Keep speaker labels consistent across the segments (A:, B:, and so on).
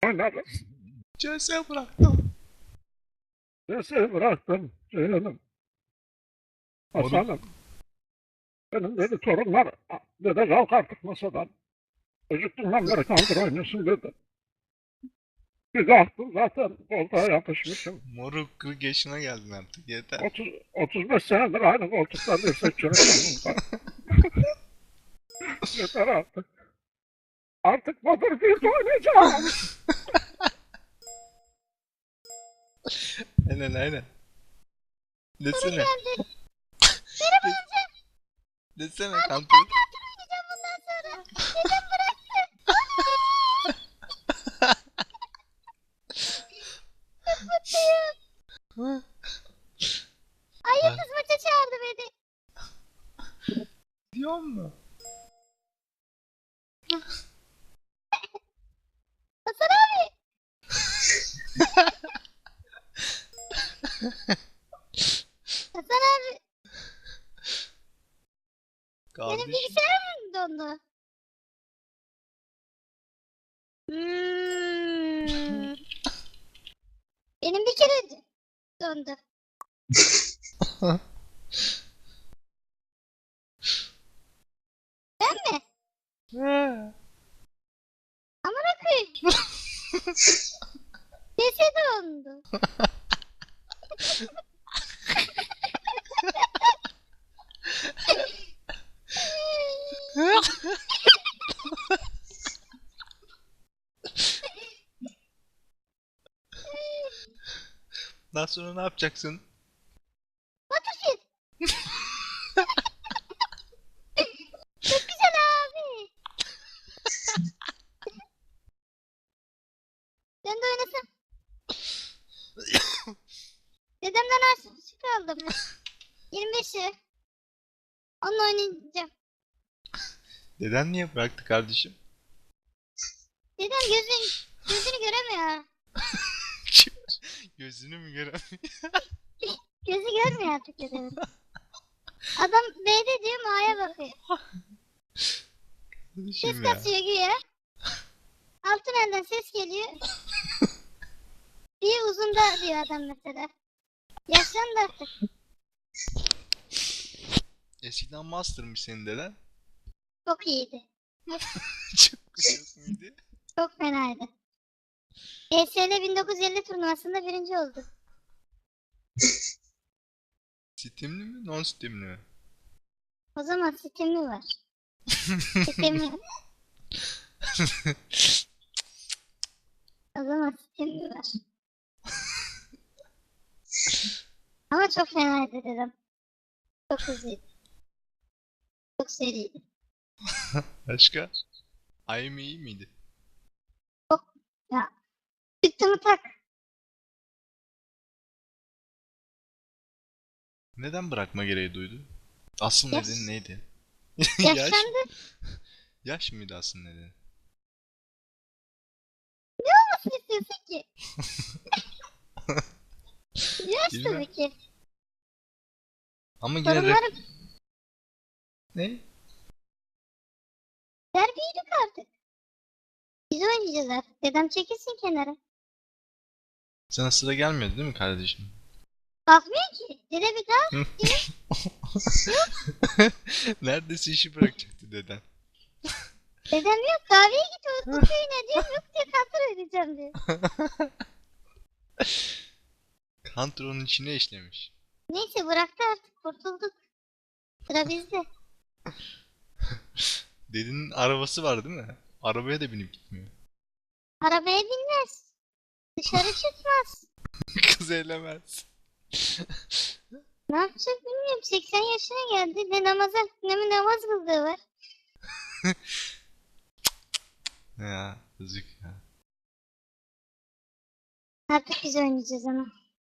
A: oynarız.
B: CS bıraktım.
A: Sesi bıraktım canım. Hasan'ım. Benim dedi torunlar. Dede kalk artık masadan. Çocukluğundan beri kaldır oynuyorsun dedi. Bir kalktım zaten koltuğa yapışmışım.
B: Moruk 40 yaşına geldin artık yeter.
A: 35 senedir aynı koltukta dirsek çürüyorum. Yeter artık. Artık Battlefield oynayacağım.
B: Aynen aynen. Desene.
C: Geldi. Merhaba amca.
B: Desene
C: Abi
B: kanka.
C: ben Counter oynayacağım bundan sonra. Dedem bıraktı. Çok mutluyum. Ay Yıldız maça çağırdı beni.
B: Diyor mu?
C: Hasan abi. Hasan abi. Benim
B: Kardeşim.
C: bilgisayarım mı dondu? Benim bir kere dondu. Ben mi? Amına koyayım. Sesi dondu.
B: Daha sonra ne yapacaksın?
C: Battlefield. Çok güzel abi. Sen de oynasın. Dedemden harçlık aldım. 25'i. Onunla oynayacağım.
B: Deden niye bıraktı kardeşim?
C: Dedem gözünü göremiyor.
B: Gözünü mü göremiyor?
C: Gözü görmüyor artık dedemin. Adam B'de diyor A'ya bakıyor. Ses
B: Kardeşim ya.
C: kasıyor güya. Altın elden ses geliyor. Bir uzunda diyor adam mesela. Yaşlandı artık.
B: Eskiden master'mış senin deden.
C: Çok iyiydi.
B: Çok çok muydu?
C: Çok fenaydı. ESL 1950 turnuvasında birinci oldu.
B: Steam'li mi? Non Steam'li mi?
C: O zaman Steam'i var. Steam'i. O zaman Steam'i var. Ama çok fenaydı dedim. Çok hızlıydı. Çok seriydi.
B: Başka? Ayım iyi miydi?
C: Ya. Çıktı mı tak.
B: Neden bırakma gereği duydu? Asıl
C: Yaş.
B: nedeni neydi?
C: Yaşlandı.
B: Yaş mıydı asıl nedeni?
C: Nasıl istiyorsun ki? Yaş
B: Bilmem.
C: tabii ki.
B: Ama yine
C: Sorunlarım
B: Ne?
C: büyüdük artık. Biz oynayacağız artık. Dedem çekilsin kenara.
B: Sana sıra gelmiyordu değil mi kardeşim?
C: Kalkmıyor ki. Dede bir daha.
B: Neredeyse işi bırakacaktı deden.
C: Dedem yok kahveye git o köyüne diyor. Yok diyor Counter oynayacağım diyor.
B: Counter içine işlemiş.
C: Neyse bıraktı artık kurtulduk. Sıra bizde.
B: Dedenin arabası var değil mi? Arabaya da binip gitmiyor.
C: Arabaya binmez. Dışarı çıkmaz.
B: Kız eylemez.
C: Ne yapacak bilmiyorum. 80 yaşına geldi. Ne namaz kıldığı var.
B: Ya yazık ya.
C: Artık biz oynayacağız ama.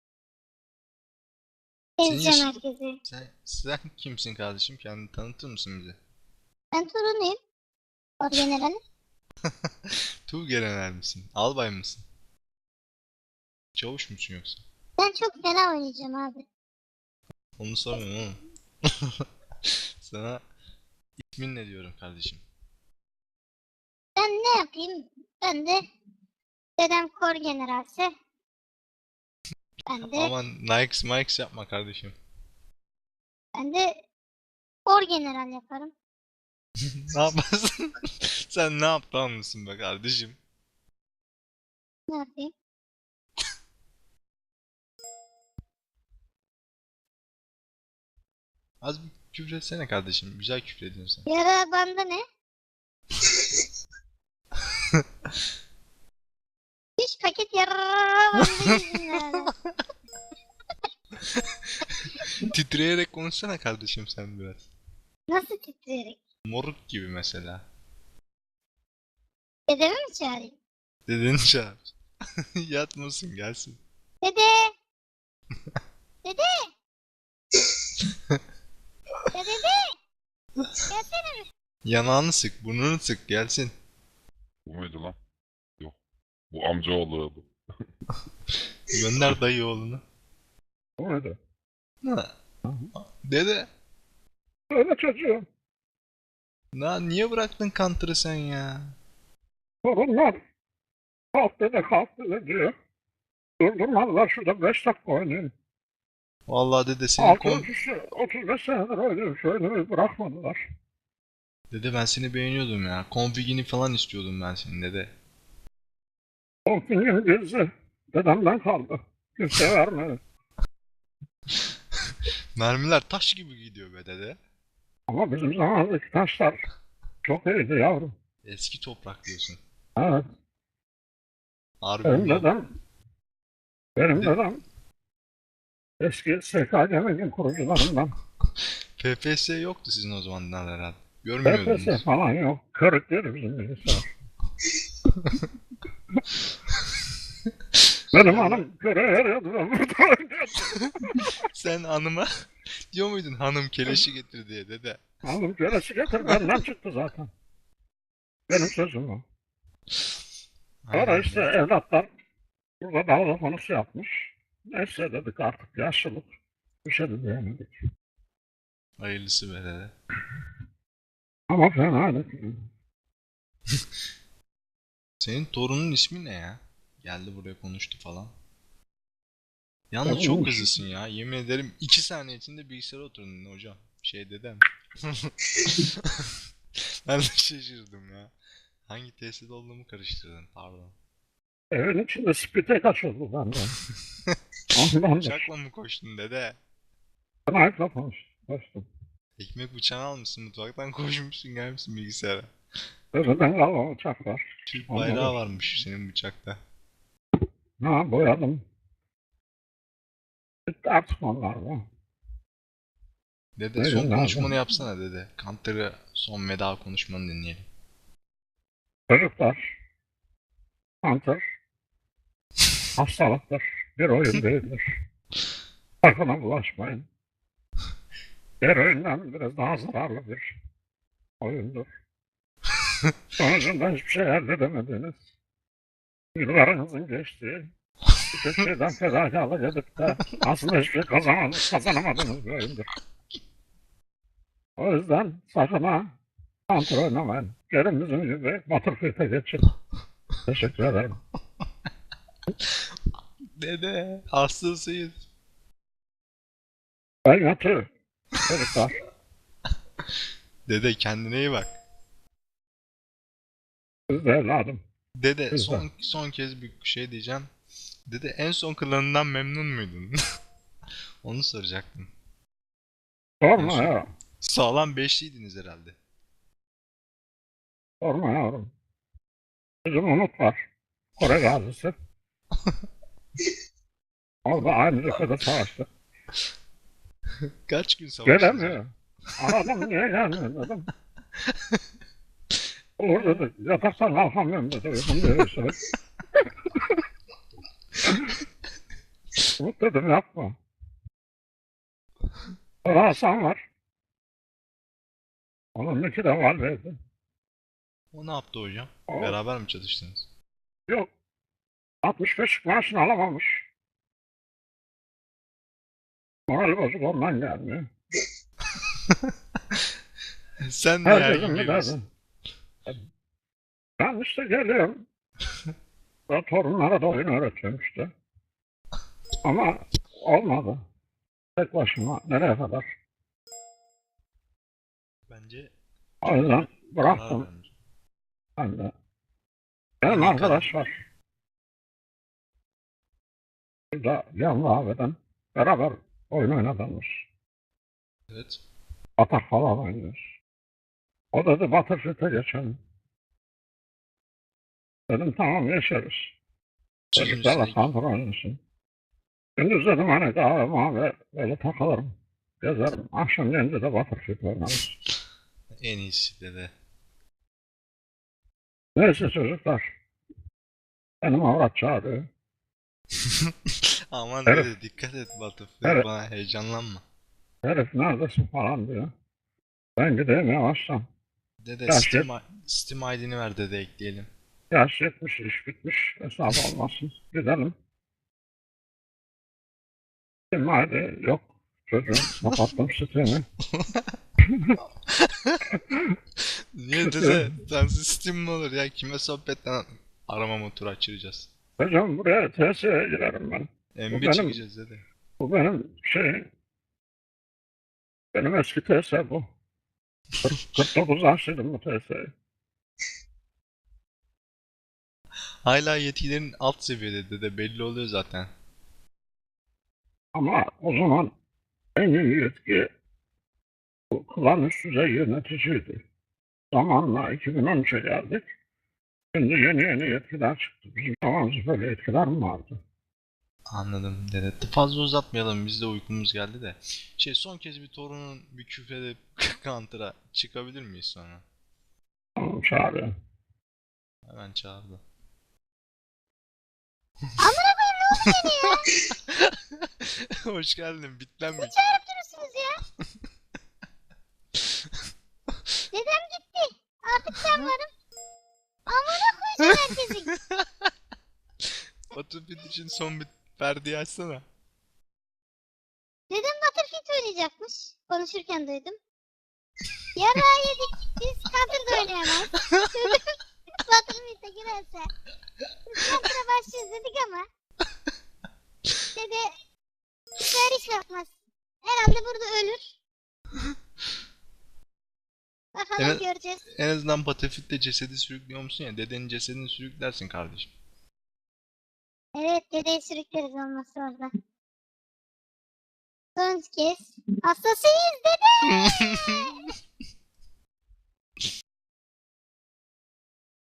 B: Senin
C: Ezeceğim
B: yaş-
C: herkesi.
B: Sen kimsin kardeşim? Kendini tanıtır mısın bize?
C: Ben torunuyum. Orgeneral.
B: Tuğgeneral misin? Albay mısın? Çavuş musun yoksa?
C: Ben çok fena oynayacağım abi.
B: Onu sormuyorum oğlum. Sana ismin ne diyorum kardeşim?
C: Ben ne yapayım? Ben de Dedem kor generalse. Ben de,
B: Aman Nike Mikes yapma kardeşim.
C: ben de kor general yaparım.
B: Ne yaparsın? Sen ne aptal mısın be kardeşim?
C: Ne yapayım?
B: Az bir küfür etsene kardeşim. Güzel küfür ediyorsun sen.
C: Yara banda ne? Hiç paket yara banda yüzünden.
B: Titreyerek konuşsana kardeşim sen biraz.
C: Nasıl titreyerek?
B: Moruk gibi mesela.
C: Dedemi mi çağırayım?
B: Dedeni çağır. Yatmasın gelsin.
C: Dede! Dede! Ya dede! Gelsene mi?
B: Yanağını sık, burnunu sık gelsin.
A: Bu muydu lan? Yok. Bu amcaoğlu.
B: Gönder dayı oğlunu.
A: Bu muydu?
B: Ha. Dede.
A: Öyle çocuğum.
B: Niye bıraktın Counter'ı sen ya?
A: Sorunlar. Kalk dede kalk dede diyor. Durdurmadılar şurada 5 dakika oynayayım.
B: Vallahi dede senin
A: 35 senedir oynuyorum. Şu oyunu bırakmadılar.
B: Dede ben seni beğeniyordum ya. Config'ini falan istiyordum ben senin dede.
A: Konfingin birisi dedemden kaldı. Kimse vermedi.
B: Mermiler taş gibi gidiyor be dede.
A: Ama bizim zamanımızdaki taşlar çok iyiydi yavrum.
B: Eski toprak diyorsun.
A: Evet.
B: Harbi
A: Benim
B: ulan.
A: benim
B: De-
A: dedem eski SKC'nin kurucularından.
B: FPS yoktu sizin o zamanlar herhalde. Görmüyordunuz.
A: FPS falan yok. Kırık değil bizim bilgisayar. Benim hanım köre eriyordu da burada oynuyordu.
B: Sen hanıma diyor muydun hanım keleşi getir diye dede?
A: Hanım köresi getir benden çıktı zaten. Benim sözüm o. Sonra
B: Aynen.
A: işte evlatlar burada dalga konusu yapmış. Neyse dedik artık yaşlılık. Bir şey de diyemedik.
B: Hayırlısı be dede.
A: Ama fena değil.
B: Senin torunun ismi ne ya? Geldi buraya konuştu falan. Yalnız
A: Ya,
B: çok
A: bu-
B: hızlısın ya. Yemin ederim 2 saniye içinde bilgisayara oturdun hocam. Şey dedem. Ben de şaşırdım ya. Hangi tesiste olduğumu karıştırdın pardon.
A: Evin içinde spite kaçırdı benden. Ondandır.
B: Bıçakla mı koştun dede?
A: Sniper'la konuştum.
B: Ekmek bıçağını almışsın mutfaktan koşmuşsun gelmişsin bilgisayara.
A: Öbürden kalma uçak var.
B: Türk
A: Ondan
B: bayrağı
A: da-
B: varmış senin bıçakta.
A: Ha boyadım. Bitti artık onlar da.
B: Dede
A: Buyurun
B: son
A: abi.
B: konuşmanı yapsana dede. Counter'ı son veda konuşmanı dinleyelim.
A: Çocuklar, Hunter, hastalıktır. Bir oyun değildir. Sakına bulaşmayın. Diğer oyundan biraz daha zararlı bir oyundur. Sonucunda hiçbir şey elde edemediniz. Yıllarınızın geçtiği, birçok şeyden fedakarlık edip de aslında hiçbir şey kazanamadığınız bir oyundur. O yüzden sakın ha Hunter oynamayın. Gelin bizim gibi Battlefield'e geçin. Teşekkür ederim.
B: Dede hastasıyız.
A: Ben yatıyorum. Çocuklar.
B: Dede kendine iyi bak.
A: Siz de evladım.
B: Dede
A: Güzel.
B: son kez bir şey diyeceğim. Dede en son klanından memnun muydun? Onu soracaktım.
A: Sorma ya.
B: Sağlam beşliydiniz herhalde.
A: Sorma yavrum. Bizim Umut var. Kore gazisi. Orada aynı cephede savaştık.
B: Kaç gün savaştınız?
A: Gelemiyor. Aradım niye gelmiyor dedim. Olur dedi. Yataktan kalkamıyorum dedi. Uykum diye şey. Umut dedim yapma. Sonra Hasan var. Onun iki de var verdi.
B: O ne yaptı hocam?
A: O,
B: Beraber mi çalıştınız?
A: yok. 65 maaşını alamamış. Morali bozuk ondan gelmiyor.
B: Sen de her
A: Herkesin
B: gün
A: bir
B: geliyorsun.
A: derdi. Ben işte geliyorum. Ve torunlara da oyun öğretiyorum işte. Ama olmadı. Tek başıma nereye kadar?
B: Bence
A: O yüzden
B: karar
A: bıraktım
B: vermiş.
A: ben de.
B: En
A: Benim
B: iyi karar.
A: arkadaş var. Burada yan kahveden beraber oyun oynadığımız.
B: Evet.
A: Atak falan oynuyoruz. O dedi Battlefield'e geçelim. Dedim tamam geçeriz.
B: Sözün
A: Çocuklarla
B: üstüne
A: kontrol oynasın. Gündüz dedim hani kahve mavi böyle takılırım. Gezerim. Akşam gelince de Battlefield oynarız.
B: en iyisi dede.
A: Neyse çocuklar. Benim avrat çağırıyor.
B: Aman
A: Herif,
B: dede dikkat et Battlefield
A: herif,
B: bana heyecanlanma.
A: herif neredesin falan diyor. Ben gideyim yavaştan.
B: Dede
A: Yaş, yet,
B: Steam ID'ni ver dede ekleyelim.
A: yaş yetmiş, iş bitmiş. Hesap olmasın. Gidelim. Kim hadi yok. Çocuğum kapattım sitemi.
B: Niye dede? Sensiz Steam mi olur ya? Kime sohbetten arama motoru açıracağız.
A: Hocam buraya TSE'ye girerim ben. Bu
B: MB
A: benim,
B: çekeceğiz dede.
A: bu benim benim eski TSE bu. 49 açtıydım bu TSE'yi.
B: Hala yetkilerin alt seviyede dede belli oluyor zaten.
A: Ama o zaman en iyi yetki bu klan üst düzey yöneticiydi. Zamanla 2013'e geldik. Şimdi yeni yetkiler çıktı. Bizim zamanımızda böyle yetkiler mi vardı?
B: Anladım dede. Fazla uzatmayalım biz de uykumuz geldi de. Son kez bir torunun bir küfredip Counter'a çıkabilir miyiz sonra?
A: Tamam çağırıyor.
B: Hemen çağırdı.
C: Amına koyayım ne oldu gene ya?
B: Hoş geldin bitlenmiş.
C: Ne çağırıp durursunuz ya? Dedem gitti. Artık ben varım. Amına koyacağım herkesin.
B: Battlefield için son bir perdeyi açsana.
C: Dedem Battlefield oynayacakmış. Konuşurken duydum. Yarağı yedik. Biz Counter'da oynayamayız. Çocuk Battlefield'e girerse. Biz Counter'a başlıyoruz dedik ama. Dede hiçbir iş yapmaz. Herhalde burada ölür. Bakalım
B: Evet.
C: göreceğiz.
B: En azından Battlefield'de cesedi sürüklüyor musun ya? Dedenin cesedini sürüklersin kardeşim.
C: Evet dedeyi sürükleriz olmazsa orada. Son kez. Hastasıyız dede.